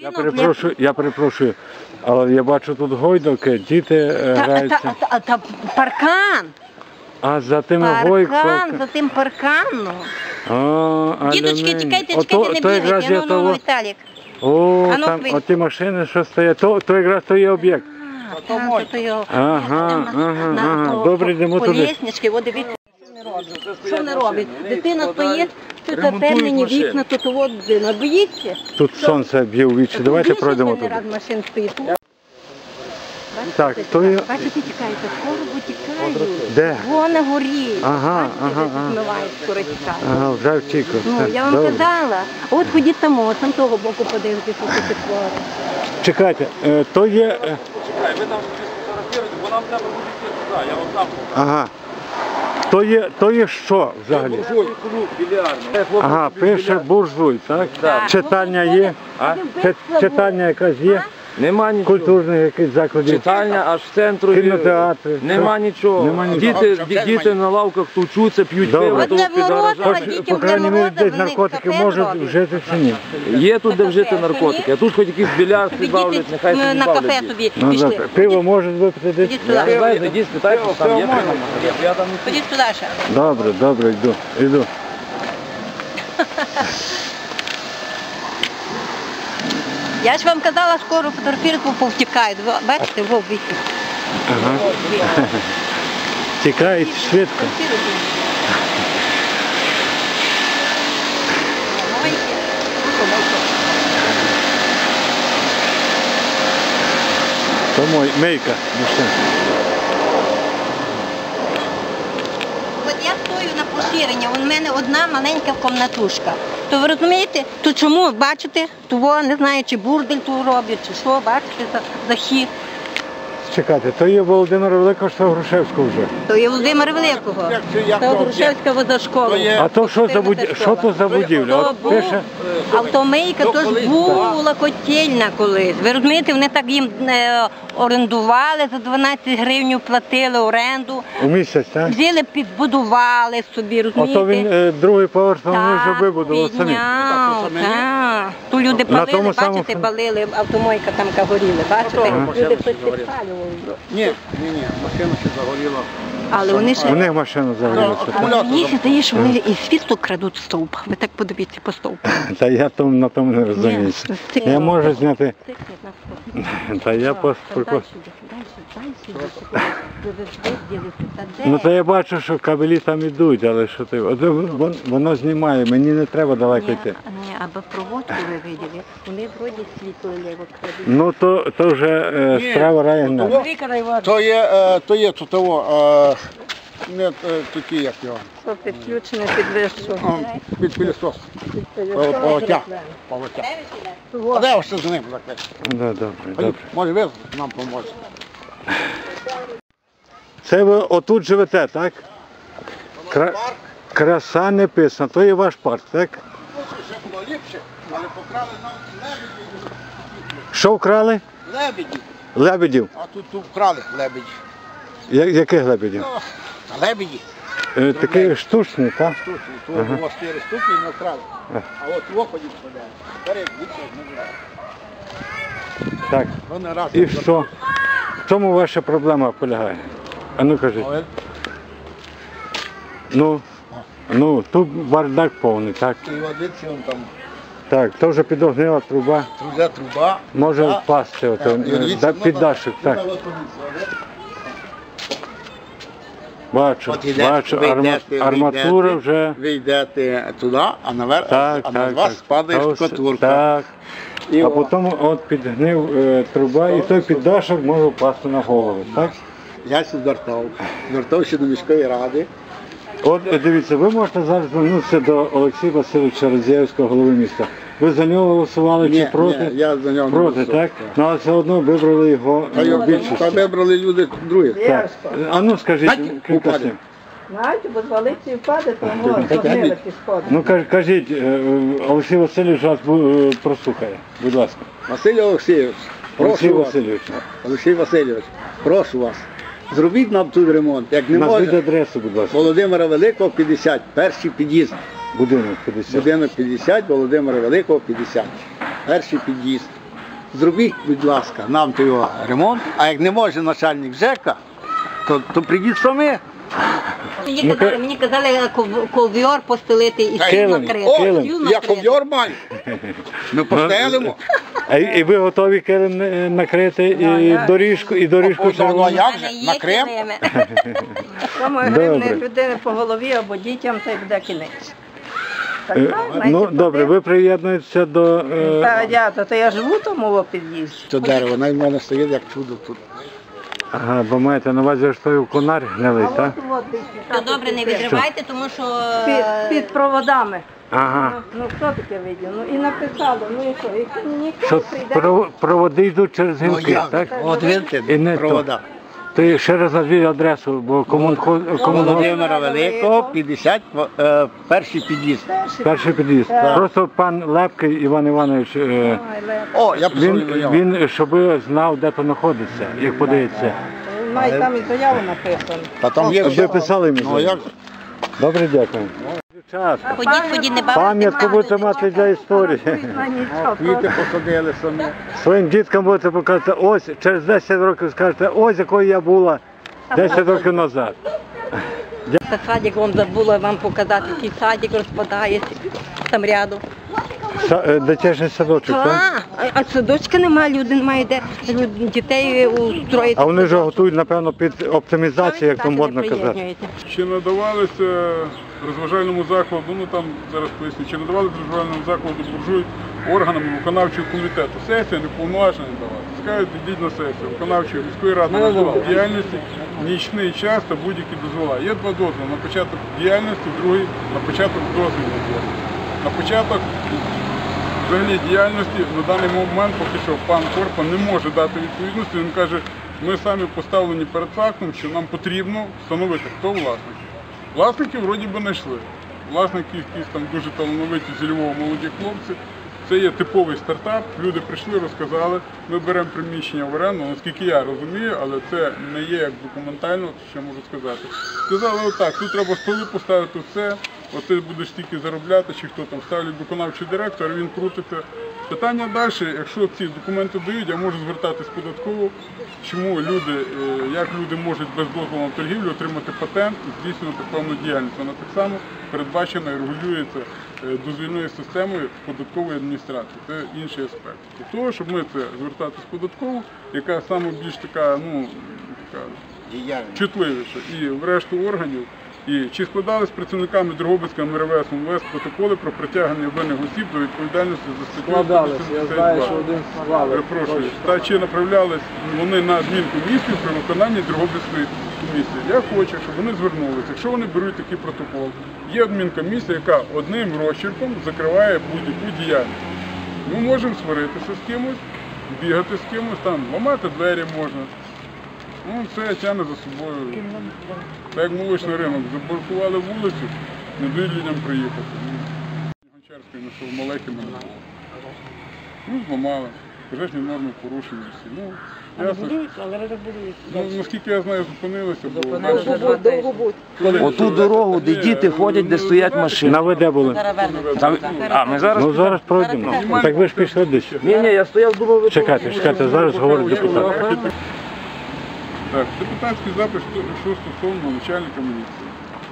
Я перепрошую, але я бачу тут гойдалки, діти граються. Та паркан. А за тими гойками? Паркан, за тим парканом. Діточки, тікайте, не бігайте, ну, Віталік. О, там оті машини, що стоять, то якраз то є об'єкт. Ага, добре, йдемо туди. Поліснички, от дивіться, що не робить. Дитина стоїть, тут затемнені вікна, тут от дитина. Боїться? Тут сонце б'є у вічі, давайте пройдемо туди. Машин стоїть. Так, то є... Бачите, тікаєте, скоро витікають. Де? Вон на горі. Ага. Змивають, скоро тікають. Ага, вже втік. Ну, я вам казала. От ходіть там того боку подивитися, що це твори. Чекайте, то є... Чекай, ви там сфотографуєте, бо нам треба буде йти туди, я вам там. Ага. То є що взагалі? Буржуй, клуб, більярдний. Ага, пише буржуй, так? Читальня є? Читальня якась є? Нема нічого. Культурних якихось закладів? Читальня аж в центру. Кінотеатри? Нема нічого. Діти на лавках тучуться, п'ють пиво, то під гаражами. По крайній мірі, десь наркотики можуть вжити чи ні? Є тут де вжити наркотики, а тут хоч якийсь більярд бавлять, нехай собі на бавлять. кафе собі Ну, пішли. пиво можуть випити десь? Я не знаю, зайдіть, спитайте, там є пиво. Я там не Ходіть туди ще. Добре, йду. Я ж вам казала, скоро фотографірку повтікають. Бачите, вовбіки. Ага. Тікають швидко. То мейка. От я стою на поширення, у мене одна маленька комнатушка. То ви розумієте, то чому, бачите, того, не знаю, чи бурдель тут роблять, чи що, бачите, захід. Чекайте, то є Володимира Великого, що Грушевського вже? То є Володимира Великого, то Грушевська водошкола. А то що то за будівля? От пише... Автомийка, то ж була котельня колись. Ви розумієте, вони так їм орендували, за 12 гривень платили оренду. У місяць, так? Взяли, підбудували собі, розумієте? Ото він другий поверх, вони вже вибудували самі. Так. Тут люди палили, бачите, палили, автомойка там горіли, бачите? Люди щось підпалювали. Ні, машина ще загоріла. Але вони ще... У них машина загорілася. Мені здається, що вони і світло крадуть в стовп. Ви так подивіться по стовпу. Та я на тому не розуміюся. Я можу зняти... Та я Ну то я бачу, що кабелі там ідуть, але що ти... Воно знімає, мені не треба далеко йти. Ні, або проводку ви виділи, вони вроді світло лево крадуть. Ну то вже справа району. То є тут того, не такі, як його. Що підключено під вищу? Під пилісос. Поводя. А де ось з ним закрити? Добре. Може ви нам поможете. Це ви отут живете, так? Краса не писана, то є ваш парк, так? Ще було ліпше, але покрали нам лебедів. Що вкрали? Лебедів. Лебедів. А тут вкрали лебедів. Яких лебедів? Лебеді. Такі штучні, так? Штучні. Тут було 4 штуки і не вкрали. А от в оході вкладали. Вперед, більше не вкрали. Так. І що? В чому ваша проблема полягає? А ну кажіть. Ну, тут бардак повний, так? І водиці вон там. Так, то вже підогнила труба. Труба. Може впасти, піддашик, так. Бачу, арматура вже... Ви йдете туди, а на вас спадає шкатурка. Так, а потім от підгнив труба і той піддашок може впасти на голову, так? Я звертався до міської ради. От дивіться, ви можете зараз звернутися до Олексія Васильовича Радзієвського, голови міста. Ви за нього голосували чи проти? Ні, я за нього не проти, так? Ну, але все одно вибрали його більшість. Та вибрали люди другі. Так. А ну скажіть кілька слів. Знаєте, бо звалиться і впаде, то може сходить. Ну кажіть, Олексій Васильович вас прослухає, будь ласка. Василь Олексійович, Олексій Васильович, прошу вас, зробіть нам тут ремонт. Як не назвіть може, адресу, будь ласка. Володимира Великого, 50, перший під'їзд. Будинок 50. Будинок 50, Володимира Великого, 50. Перший під'їзд. зробіть, будь ласка, нам то його ремонт, а як не може начальник ЖЕКа, то прийдіть самі. Мені казали ковйор постелити і стіл Килим. накрити. О, Килим. Стіл я накрити. ковйор маю. Ми постелимо. І ви готові килим накрити, і доріжку Ну, червону? а як У же? мене є На Крим? килими. Тому гривни людини по голові або дітям, то й буде кінець. Так, Ну, добре, ви приєднуєтеся до... то я живу в тому під'їзді. Це дерево, навіть в мене стоїть як чудо тут. Ага, бо маєте на увазі, що той конар гнилий, так? То добре, не відривайте, тому що Під проводами. Ага. Ну хто таке видів? Ну і написало, ну і що? І ніхто Що прийде. проводи йдуть через гілки, так? От І видите, не провода. То ще раз назвіть адресу, бо кому Володимира Великого, 50, перший під'їзд. перший під'їзд. Просто пан Лепкий Іван Іванович, О, я писав заяву. він щоб знав, де то знаходиться, як подається. Має там і заяву написано. Та там є Ви все. писали мені? Ну, як? Добре, дякую. Час. ходіть, не бавте. Пам'ятку будете мати для історії. Квіти посадили самі. Своїм діткам будете показати, ось через 10 років скажете, ось якою я була 10 років назад. Та садик вам забула вам показати, який садик розпадається там рядом. Дитячий садочок, так? А садочка немає, люди немає де дітей устроїти. А вони вже готують, напевно, під оптимізацію, як то модно казати. Чи надавалися розважальному закладу, ну там зараз поясню, чи надавалися розважальному закладу буржуй органами виконавчого комітету. Сесія неповноважна не давала. Скажуть, йдіть на сесію. Виконавчої міської ради на діяльності, нічний час та будь-які дозвола. Є два дозволи на початок діяльності, другий на початок дозвільної діяльності. На початок взагалі діяльності на даний момент поки що пан Корпа не може дати відповідності. Він каже, ми самі поставлені перед фактом, що нам потрібно встановити, хто власник. Власників вроді би знайшли. Власники якісь там дуже талановиті зі Львова молоді хлопці. Це є типовий стартап. Люди прийшли, розказали, ми беремо приміщення в оренду, наскільки я розумію, але це не є як документально, що можу сказати. Сказали отак, тут треба столи поставити все, от ти будеш стільки заробляти, чи хто там ставлять виконавчий директор, він крутиться. Питання далі, якщо ці документи дають, я можу звертатись податково, чому люди, як люди можуть без дозволу на торгівлю отримати патент і здійснювати певну діяльність. Вона так само передбачена і регулюється дозвільною системою податкової адміністрації. Це інший аспект. Для того, щоб ми це звертатись податково, яка саме більш така, ну, така чутливіша, і в решту органів. І чи складали з працівниками Дрогобицького МРВС МВС протоколи про притягнення винних осіб до відповідальності за статтю 182? Перепрошую. Та чи направлялись вони на адмінкомісію при виконанні Дрогобицької комісії? Я хочу, щоб вони звернулися. Якщо вони беруть такий протокол, є адмінкомісія, яка одним розчерком закриває будь-яку діяльність. Ми можемо сваритися з кимось, бігати з кимось, там ламати двері можна. Ну, це тягне за собою. Так як молочний ринок, заблокували вулицю, не дають людям приїхати. Гончарський знайшов маленький мене. Ну, зламали. Пожежні норми порушені всі. Ну, ясно. Ну, наскільки я знаю, зупинилися, бо Довго будь. Оту дорогу, де діти ходять, де стоять машини. На ви де були? А, ми зараз... Ну зараз пройдемо. Так ви ж пішли десь. Ні, я стояв, думав, ви... Чекайте, зараз говорить депутат. так, депутатський запис, що стосовно начальника міліції.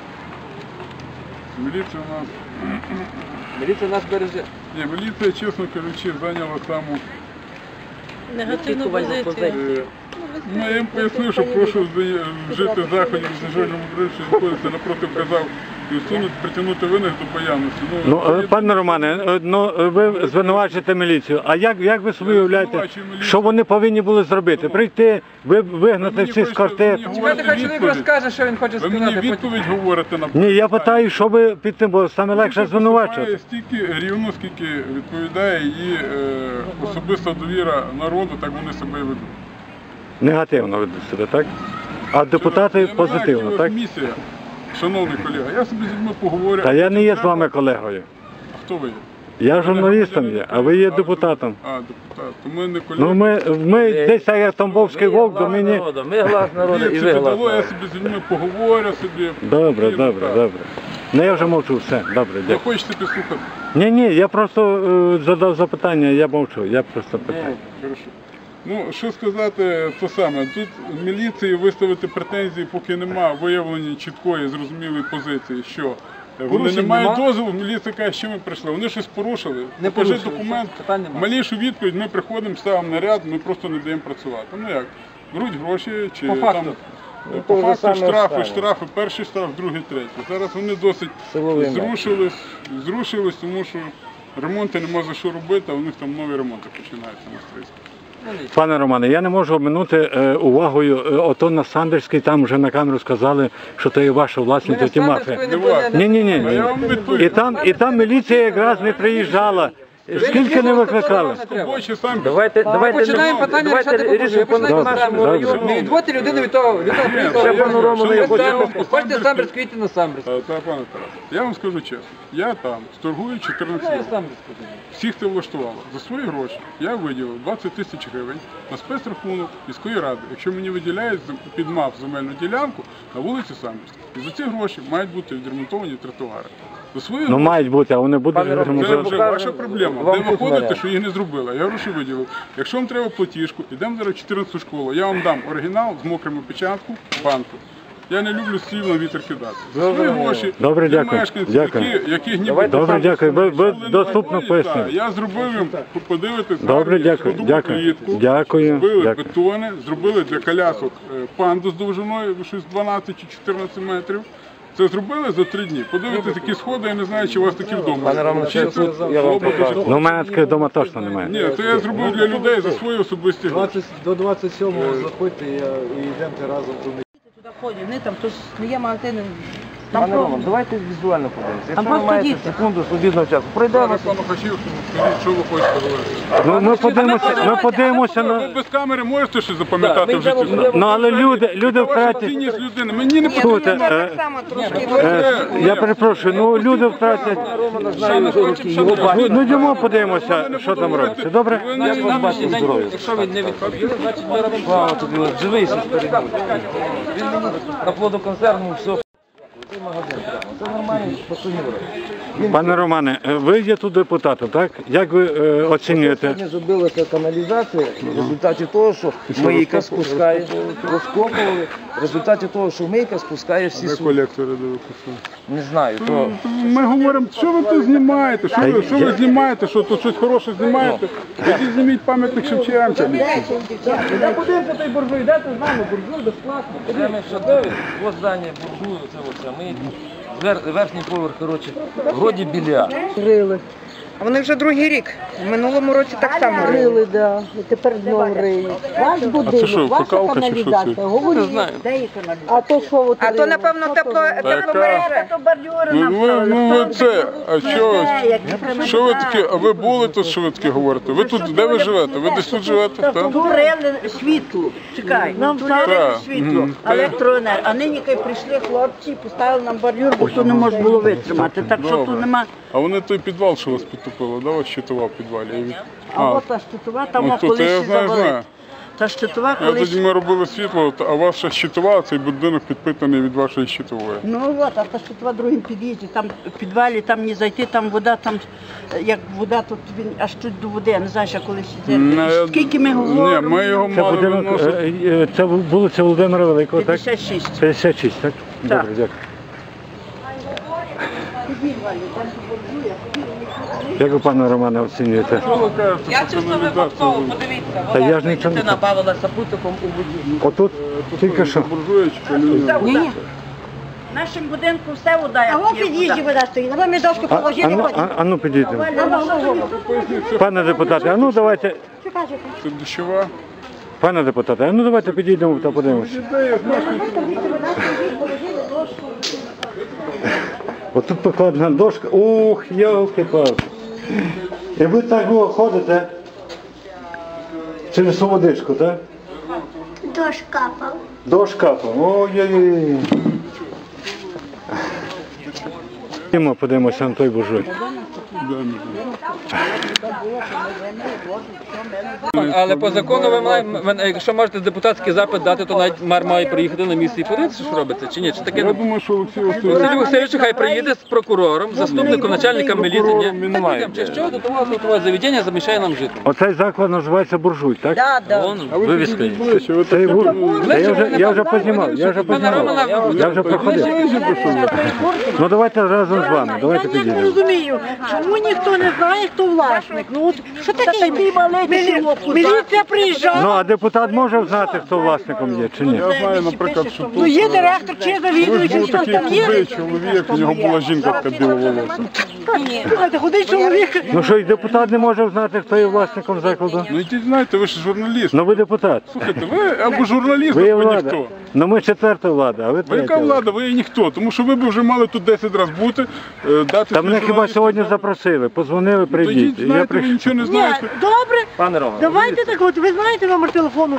Міліція у нас... Міліція нас береже. Ні, міліція, чесно кажучи, зайняла саму... Негативну позицію. Ну, я їм пояснив, що прошу вжити заходів з нажальному бриджі, що знаходиться напроти вказав, і усунути, притягнути винних до появності. Ну, пане Романе, ну ви звинувачуєте міліцію. А як ви собі уявляєте, що вони повинні були зробити? Прийти, вигнати всіх з квартир? Чекайте, хай чоловік розкаже, що він хоче сказати. Ви мені відповідь говорите на Ні, я питаю, що ви під тим, бо саме легше звинувачувати. Стільки рівно, скільки відповідає її особиста довіра народу, так вони себе і ведуть. Негативно ведуть себе, так? А депутати позитивно, так? Місія, шановний колега, я собі з людьми поговорю. Та я не є з вами колегою. А хто ви є? Я журналістом є, а ви є депутатом. А, депутат. То ми не колеги. Ну ми десь так як Тамбовський вовк, до мені... Ми глас народу і ви глас Я народу. собі з людьми поговорю собі. Добре. Ну я вже мовчу, все, добре, Ви дякую. хочете підслухати? Ні, я просто задав запитання, я мовчу, я просто питаю. Хорошо. Ну, що сказати, то саме. Тут міліції виставити претензії, поки нема виявлення чіткої, зрозумілої позиції, що вони не Порушень мають нема? дозволу, міліція каже, що ми прийшли. Вони щось порушили, Не покажи порушили, документ, питань нема. малішу відповідь, ми приходимо, ставимо наряд, ми просто не даємо працювати. Ну як, беруть гроші, чи По факту. там, Ну, по то вже факту саме останнє. штрафи, перший штраф, другий, третій. Зараз вони досить Силовий зрушились, тому що ремонти нема за що робити, а у них там нові ремонти починаються на стрийську. Пане Романе, я не можу обминути увагою, ото на Самбірській, там вже на камеру сказали, що це є ваша власність, то ті мафія. Ні. А я вам відповім. І там міліція якраз не приїжджала. Скільки не викликали? Робочі самі. Давайте Починаємо питання рішати рішимо по Добре, нашому добре. району. Не відводьте людину від того Ще пану Роману, я хочу. хочу. Хочете Самбірськ, їдьте на Самбірськ. Та, пане Тарас, я вам скажу чесно, я там торгую 14 Я років. Самбірськ. Всіх це влаштувало. За свої гроші я виділив 20 тисяч гривень на спецрахунок міської ради, якщо мені виділяють під МАФ земельну ділянку на вулиці Самбірській. І за ці гроші мають бути відремонтовані тротуари. За свої Ну мають бути, а вони будуть Пане Романе, Це ремонтувати. вже ваша проблема. Вам Де ви тут ходите, наряд. що їх не зробили? Я гроші виділив. Якщо вам треба платіжку, йдемо зараз в 14 школу. Я вам дам оригінал з мокрими печаткою банку. Я не люблю слів на вітер кидати. За свої гроші Добре, для дякую. мешканців, Дякую. яких ніби Давайте Добре, дякую. Ви Коли доступно не пояснили. так, я зробив їм, подивитись, Добре, гарну дякую, сходову дякую, клітку, дякую, зробили дякую. бетони, зробили для колясок панду з довжиною щось 12 чи 14 метрів. Це зробили за 3 дні. Подивитись, які сходи, я не знаю, чи у вас такі вдома. Пане Романе, Чи тут тут я вам було б покажу. дуже Ну, у мене таких вдома точно немає. Ні, то я зробив для людей за свої особисті гроші. До 27-го заходьте і йдемте разом туди. Туди ходять, вони там хтось не є магазини. Пане Роман, давайте візуально подивимося. Якщо ви просто маєте діти. секунду свобідного часу, пройдемо. Руслану Хачівському, скажіть, що ви хочете говорити. Ну, ми подивимося Ви на... без камери можете щось запам'ятати в житті? Ну, але люди Ваша втратять... цінність людини. Мені не Слухайте, потрібно. Так само трошки. я перепрошую, ну люди втратять... Романа знаю, його бачу. Ну, йдемо подивимося, що там робиться. Добре? Як вас бачить здоров'я? Якщо ви не відповіли, значить ми робимо право тобі. Живийся старий. Він мені на плодоконсервному все. Цей магазин прямо. Це нормально, посунів. Пане Романе, ви є тут депутатом, так? Як ви оцінюєте? Сьогодні зробилася каналізація в результаті того, що мийка спускає, розкопували, в результаті того, що мийка спускає всі суди. Колектори дивитися. Не знаю, то Ми говоримо, що ви тут знімаєте, що ви знімаєте, що тут щось хороше знімаєте. Ідіть зніміть пам'ятник Шевченка. я подивимося той буржуй, йдете з нами, буржуй безплатно. Прямо шедевр, ось здання буржую, це оце мийка. Верхній поверх, коротше, вроді біля. А вони вже другий рік. В минулому році так само рили. Да, і тепер знову риють. Ваш будинок, ваша каналізація. Говоріть, а то що от А то, напевно, тепломережа. Ну ви це, а що ви таке, а ви були тут, що ви таке говорите? Ви тут, де ви живете? Ви десь тут живете? Так? турили світло. Чекай, нам турили Так. світло, електроенергія. А нині коли прийшли хлопці, поставили нам бар'юр, бо то не можна було витримати. Так що тут нема. А вони той підвал, що вас підтопило, да, вас щитова в підвалі? А от та щитова, там ну, тут, я колись знаю. завалить. Та щитова Я тоді колись. ми робили світло, а ваша щитова, цей будинок підпитаний від вашої щитової. Ну от, а та щитова в другому під'їзді, там в підвалі, там не зайти, там вода, там як вода, тут він аж чуть до води, я не знаю, що колись іде. Скільки ми говоримо? Ні, ми його Це мали будинок, виносити. це вулиця Володимира Великого, так? 56. 56, так? Добре, дякую. Як ви, пане Романе, оцінюєте? Що ви кажете, Я що чисто каналізація? випадково, подивіться, Та я вода ж нічого не- дитина бавилася путиком у воді. Отут тільки що. Буржуєчка, Люня. Ні. В нашому будинку все вода, А як вон є під'їзді вода. вода стоїть, а ви ми дошку положили, потім. Ну підійдемо. Пане депутате, а ну давайте, Це дощова. пане депутате, а ну давайте підійдемо та подивимося. Отут покладена дошка. Ух, йолки-палки. І ви так ходите через водичку, так? Дощ капав. Дощ капав. Ой-ой-ой. Подивимося на той буржуй. Але по закону якщо можете депутатський запит дати, то навіть мер має приїхати на місце і подивитися, що робиться, чи ні? Чи таке? Я думаю, що Олексій Василь Васильович... Васильович хай приїде з прокурором, заступником начальника міліції. Немає. Чи що до того заведення замішає нам жити? Оцей заклад називається буржуй, так? Вон, А ви вивіска. підійдіть ближче, ви Це і так я вже познімав, я вже проходив. Ну давайте разом з вами, давайте Я не підійдемо. розумію, чому ніхто не знає, хто власник. Ну от що таке такий маленький хлопець? Міліція приїжджає. Ну а депутат може знати, хто власником є чи ні? Я знаю, наприклад, що Ну тут... є директор чи Ви завідуючий, ж був хто такий там є. худий чоловік, у нього була жінка така біловолоса. Слухайте, худий чоловік. Ну що, і депутат не може знати, хто є власником закладу? Ну йдіть, знаєте, ви ж журналіст. Ну ви депутат. Слухайте, ви або журналіст, Ви є або влада. ніхто. Ну ми четверта влада, а ви Ви яка третя. влада, ви є ніхто, тому що ви б вже мали тут 10 разів бути, дати... Та мене хіба сьогодні запросили, позвонили, Тоді, прийдіть. І я знаєте, ви прийшов. нічого не Ні, знаєте. добре. Пане Романе, Давайте так, от ви знаєте номер телефону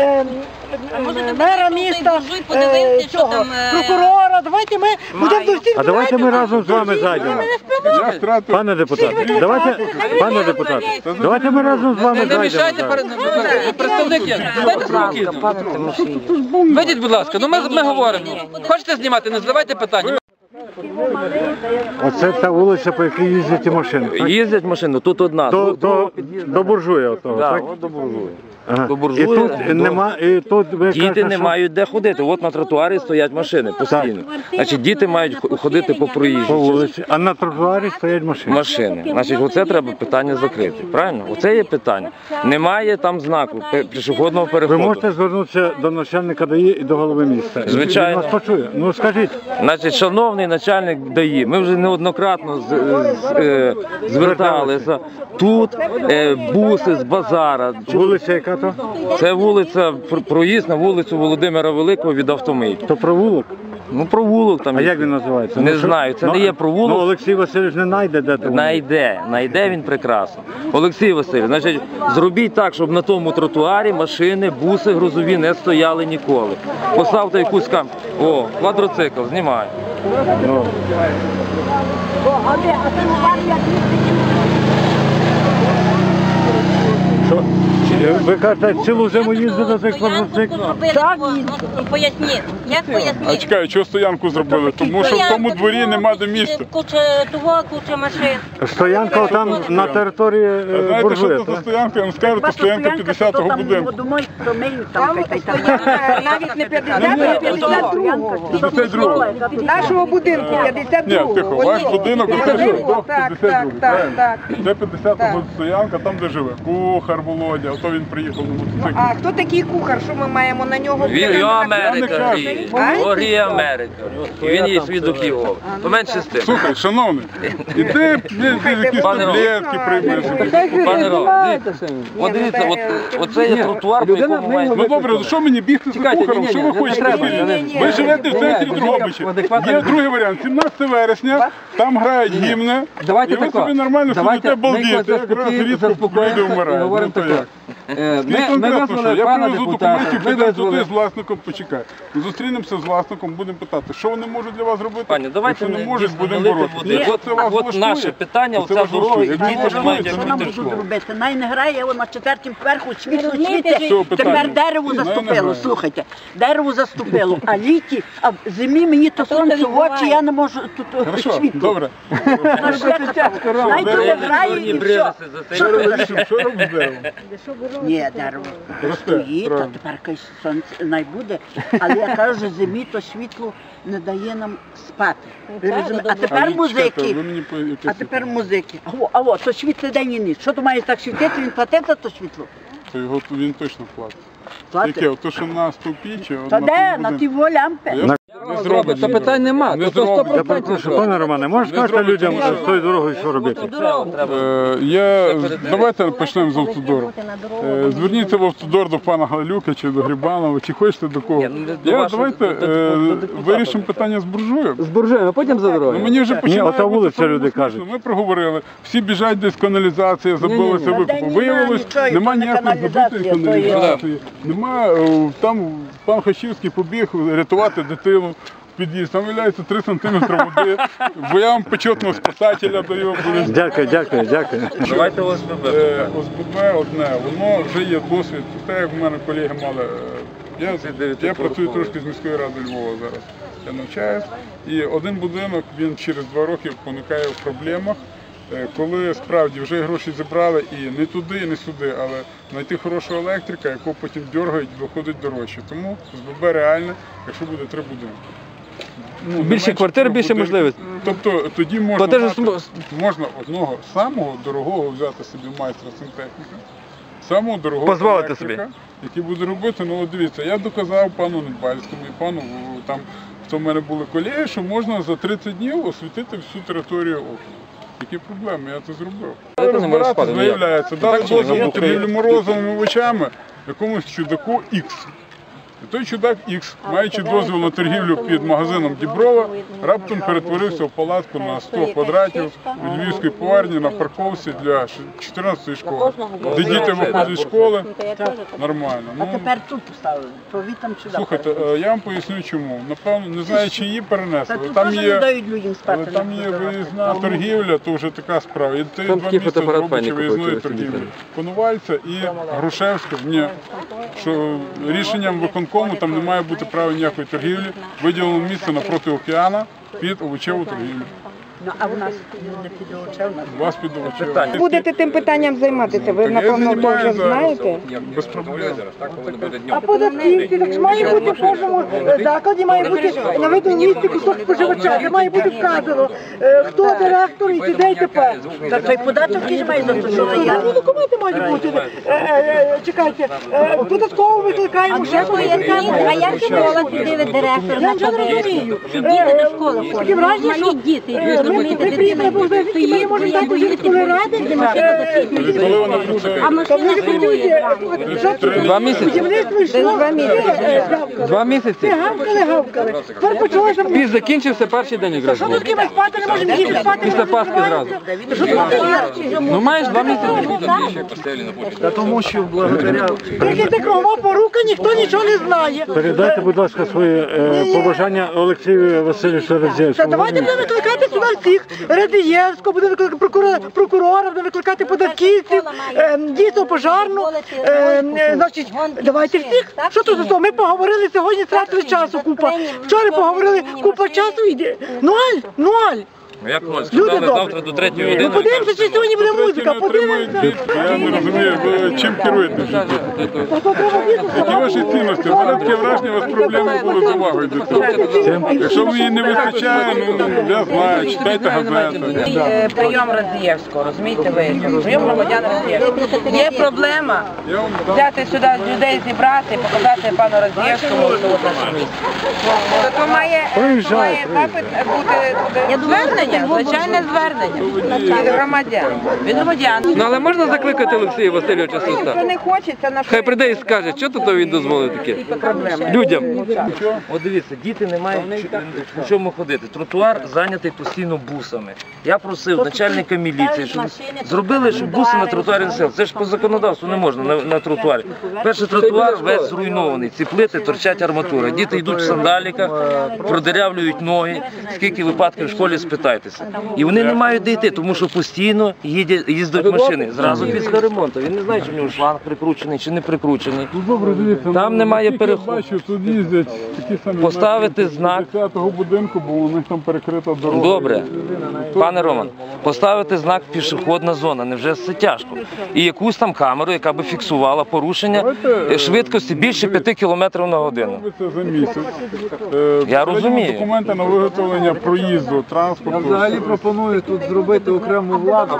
мера міста, цього, прокурора. Давайте ми будемо до всіх. А давайте ми разом з вами зайдемо. Я втратив... Пане депутат, давайте ми разом з вами не мішайте зайдемо. представник є. Дайте спокійно. Вийдіть, будь ласка, ну ми говоримо. Хочете знімати, не задавайте питання. Оце та вулиця, по якій їздять ті машини. так? Їздять машини, тут одна. До буржуя отого, Так, так? от до буржуя. Ага. до І буржуя, тут до- нема, і тут ви Діти кажете, не що- мають де ходити. От на тротуарі стоять машини постійно. Значить, діти мають ходити по по проїжджій вулиці, а на тротуарі стоять машини. машини. Значить, оце треба питання закрити. Правильно? Оце є питання. Немає там знаку пішохідного Ви переходу. можете звернутися до начальника ДАІ і до голови міста. Звичайно. Він вас почує. Ну скажіть, Значить, шановний начальник ДАІ, ми вже неоднократно зверталися. Тут буси з базара. вулиця яка то? Це вулиця, проїзд на вулицю Володимира Великого від Автомийки. То провулок? Ну, провулок там. А є. як він називається? Не Ну, що- знаю, це не є провулок. Ну Олексій Васильович не знайде, де то. Найде він прекрасно. Олексій Васильович, значить, зробіть так, щоб на тому тротуарі машини, буси грузові не стояли ніколи. Поставте якусь квадроцикл, знімай. Що? Ви кажете, цілу зиму їздите на цих квадроциклах? Так, поясніть. Як А поясніть? чекаю, чого стоянку зробили? Тому що в тому дворі нема де місця. Куча машин. Стоянка там на території А знаєте, що буржуя, це за так? стоянка? Я вам скажу, це стоянка 50-го будинку. Думаю, промиють там. Навіть не 52-го. 52-го. Нашого будинку, Ні, 52-го. тихо, ваш будинок до 52-го, Так. Де 50-го стоянка, там де живе. Кухар Володя, ото він приїхав на мотоциклі. А хто такий кухар? Що ми маємо на нього? Його Америка кажу. гріє. Його гріє Америка. І він є свідок його. Поменше з тим. Слухай, шановний, іди якісь Пане Ром. таблетки приймеш. Пане Ром, от дивіться, оце є тротуар, по якому має... Ну добре, що мені бігти за кухаром? Що ви хочете? Ви живете в центрі Дрогобича. Є другий варіант. 17 вересня, там грають гімни, і ви собі нормально сидите балдіти. Якраз рідко люди вмирають. Ну, то як? Скажіть конкретно, що я привезу документи, підемо туди з власником, почекай. Зустрінемося з власником, будемо питати, що вони можуть для вас зробити. Пані, давайте Якщо не не можуть, будемо налити боротися. води. Якщо це вас От влаштує, наше питання, то це оця вас дорога, влаштує. і Якщо діти не ж мають влаштує, Що нам ходити в будуть школу. робити? Най не грає, воно на четвертім поверху світло Цього світить. питання Тепер немає. дерево Най не заступило, грає. слухайте. Дерево заступило, а літі, а в зимі мені то сонце в очі, я не можу тут Хорошо, світло. добре. Най туди грає і все. Що робиш з деревом? Ні, дерево стоїть, а тепер якесь сонце не буде. Але я кажу, що зимі то світло не дає нам спати. Ви розумієте? А тепер Чекайте, музики. ви мені по якесь- А тепер музики. А то світло день і ніч. Що то має так світити, він платив за то світло? То його він точно платить. Платить? Яке? То, що на стовпі чи Та де? На ті лямпи. Не зробить. Це питань нема. Не То зробить. 100%. Я перепрошую, пане Романе, можеш сказати людям, що з тою дорогою що робити? Давайте почнемо з автодору. Зверніться в автодор до пана Галюка чи до Грибанова, чи хочете до кого. Давайте вирішимо питання з буржуєм. З буржуєм, а потім за дорогою. Мені вже починає ота бути вулиця, проблема люди смішно. кажуть. Ми проговорили, всі біжать десь каналізація, забилася викупу. Виявилось, нема ніякої забитої каналізації. Нема, там пан Хачівський побіг рятувати дитину. під'їзд, там виявляється 3 сантиметри води, бо я вам почетного спасателя даю. Дякую. Давайте ОСББ. ОСББ одне, воно вже є досвід. Те, як в мене колеги мали, я працюю трошки з міською радою Львова зараз. Я навчаюсь. І один будинок, він через 2 роки поникає в проблемах, коли справді вже гроші зібрали і не туди, і не сюди, але знайти хорошого електрика, якого потім дергають, виходить дорожче. Тому ОСББ реальне, якщо буде 3 будинки. Більше квартир, більше можливостей. Тобто тоді можна одного самого дорогого взяти собі майстра сантехніка, самого дорогого Позволити собі. електрика, який буде робити. Ну, от дивіться, я доказав пану Недбальському і пану, там, хто в мене були колеги, що можна за 30 днів освітити всю територію округу. Які проблеми, я це зробив. Розбиратися, виявляється, дали дозвіл торгівлі морозовими овочами якомусь чудаку X. І той чудак X, маючи дозвіл на торгівлю під магазином Діброва, раптом перетворився в палатку на 100 квадратів у Львівській поварні на парковці для 14-ї школи, де діти виходять з школи, нормально. А тепер тут поставили, повітам сюди. Слухайте, я вам поясню чому. Напевно, не знаю, чи її перенесли. Там не дають людям спати. Там є виїзна торгівля, то вже така справа. І це 2 місяці робочі виїзної торгівлі. Конувальця і Грушевська, що рішенням виконкому там не має бути права ніякої торгівлі, виділено місце напроти океану під овочеву торгівлю. Ну, а у нас не під овочев, У вас під овочеву. Будете тим питанням займатися, ви, напевно, то вже знаєте. Без проблем. А податківці, так має бути в кожному закладі, має бути на видному місці кусок споживача, де має бути вказано, хто директор і де і тепер. Та цей податок який має застосовувати? Ну, документи мають бути. Чекайте, податково викликаємо ще А як школа туди директор Я вже не розумію. Діти до школи Таке враження, ходять, що малі діти. ми приїхали по Узбекській, ми можемо так до сільської ради. Коли вона працює? А машина стоїть. 2 місяці. Будівництво йшло. 2 місяці. Гавкали. Тепер почалося. Піс закінчився перший день якраз. Що тут ми спати не можемо, діти спати не Після можемо. Пасхи зразу. Що тут Ну маєш 2 місяці. Та тому що благодаря Тільки це кругова порука, ніхто нічого не знає. Передайте, будь ласка, свої побажання Олексію Васильовичу Та Радзєвському. давайте будемо викликати сюди всіх. Радієвського, будемо викликати прокурора, будемо викликати податківців, дійсно пожарну. Значить, давайте всіх. Що тут за то? Ми поговорили сьогодні, тратили часу купа. Вчора поговорили купа часу, йде. Ноль. Ну як ноль? Люди Сказали добрі. завтра до 3 Ну години. подивимося, чи сьогодні буде музика, подивимося. Я не розумію, ви чим керуєте? Які ваші цінності? У мене таке враження, у вас проблеми були з увагою до цього. Якщо ви її не вистачає, ну я знаю, читайте газети. Прийом Радзієвського, розумієте ви? Прийом громадян Радзієвського. Є проблема взяти сюди людей, зібрати, показати пану Радзієвському, що от наше місце. То має запит бути звернення, звичайне звернення від громадян. Від громадян. Ну але можна закликати Олексія Васильовича Хто Суста? не хоче, це наш Хай прийде і скаже, що тут він дозволив таке? Людям. От дивіться, діти не мають в чому ходити. Тротуар зайнятий постійно бусами. Я просив начальника міліції, щоб зробили, щоб буси на тротуарі не сели. Це ж по законодавству не можна на тротуарі. Перший тротуар весь зруйнований, ці плити торчать арматура. Діти йдуть в сандаліках, продерявлюють ноги. Скільки випадків в школі спитайтеся. І вони не мають де йти, тому що постійно їздять машини. Зразу після ремонту. Він не знає, чи в нього шланг прикручений, чи не прикручений. Добре, дивіться, Там немає я переходу. бачу, тут їздять такі самі Поставити мешканці знак. 10-го будинку, бо у них там перекрита дорога. Добре, пане Роман, поставити знак пішохідна зона, невже це тяжко? І якусь там камеру, яка би фіксувала порушення швидкості більше 5 км на годину. Це за місяць. Я розумію. Документи на виготовлення проїзду, транспорту. я взагалі пропоную тут зробити окрему владу.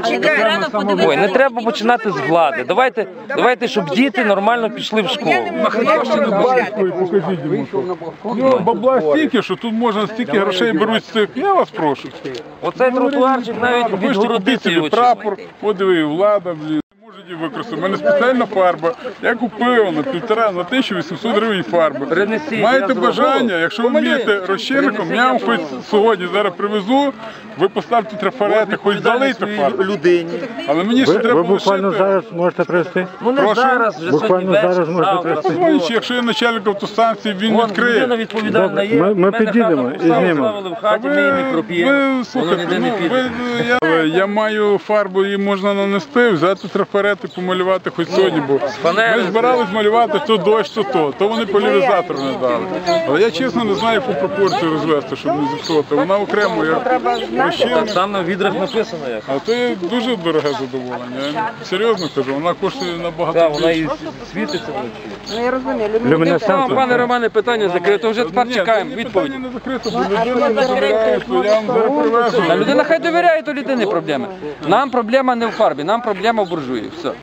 Ой, не треба починати з влади. Давайте, щоб діти нормально пішли в школу. Ой, покажіть йому. Ну, бабла стільки, що тут можна стільки грошей беруть з цих. Я вас прошу. Оцей тротуарчик навіть Ви ж купіть відгородити собі його. прапор, от диви, влада, блін. Може використав. У мене спеціальна фарба. Я купив на 1800 гривень фарби. Принесіть, Маєте я зроблю. бажання, якщо ви вмієте розчинником, я вам хоч сьогодні зараз привезу, ви поставте трафарети, хоч залийте фарбу. людині. Але мені ще Ви треба буквально лишити. зараз можете привезти? Ну не Прошу? зараз, вже Буквально сьогодні вечір, зараз можна завтра. привезти. Позвоніть, якщо я начальник автостанції, він Вон, відкриє. людина відповідальна Добре, є. ми Мене підійдемо хату і поставили, знімемо. ставили в хаті, ми її не проп'ємо. Ви Воно слухайте, ніде не ну, піде. я маю фарбу, її можна нанести, взяти трафарети, помалювати хоч сьогодні, бо панелі. ми збирались малювати то дощ, то вони поляризатор не дали. Але я чесно не знаю, яку пропорцію розвести, щоб не зіпсувати. Вона окремо, як розчинник. Так там на відрах написано як. А то є дуже дороге задоволення. Я серйозно кажу, вона коштує набагато Так, вона і більше. світиться вночі. Ну я розумію, Люмінесценція. Пане Романе, питання закрито, вже тепер чекаємо Ні, відповідь. питання не закрито, бо людина не довіряє, то я вам зараз привезу. Та людина хай довіряє, то людини проблеми. Нам проблема не в фарбі, нам проблема в буржуї. Все.